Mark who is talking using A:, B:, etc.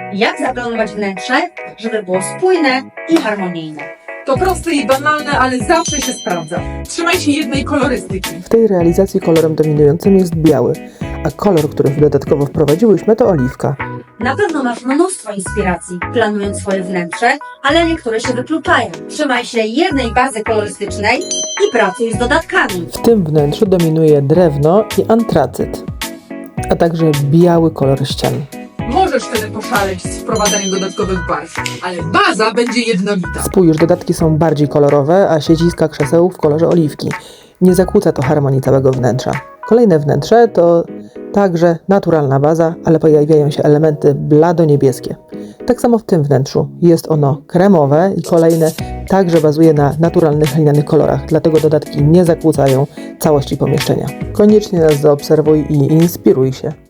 A: Jak zaplanować wnętrze, żeby było spójne i harmonijne?
B: To proste i banalne, ale zawsze się sprawdza. Trzymaj się jednej kolorystyki.
C: W tej realizacji kolorem dominującym jest biały, a kolor, który dodatkowo wprowadziłyśmy, to oliwka.
A: Na pewno masz mnóstwo inspiracji, planując swoje wnętrze, ale niektóre się wykluczają. Trzymaj się jednej bazy kolorystycznej i pracuj z dodatkami.
C: W tym wnętrzu dominuje drewno i antracyt, a także biały kolor ścian.
B: Możesz wtedy poszaleć z wprowadzaniem dodatkowych barw, ale baza będzie jednolita.
C: Spójrz, dodatki są bardziej kolorowe, a siedziska krzeseł w kolorze oliwki. Nie zakłóca to harmonii całego wnętrza. Kolejne wnętrze to także naturalna baza, ale pojawiają się elementy blado-niebieskie. Tak samo w tym wnętrzu. Jest ono kremowe i kolejne także bazuje na naturalnych linianych kolorach, dlatego dodatki nie zakłócają całości pomieszczenia. Koniecznie nas zaobserwuj i inspiruj się.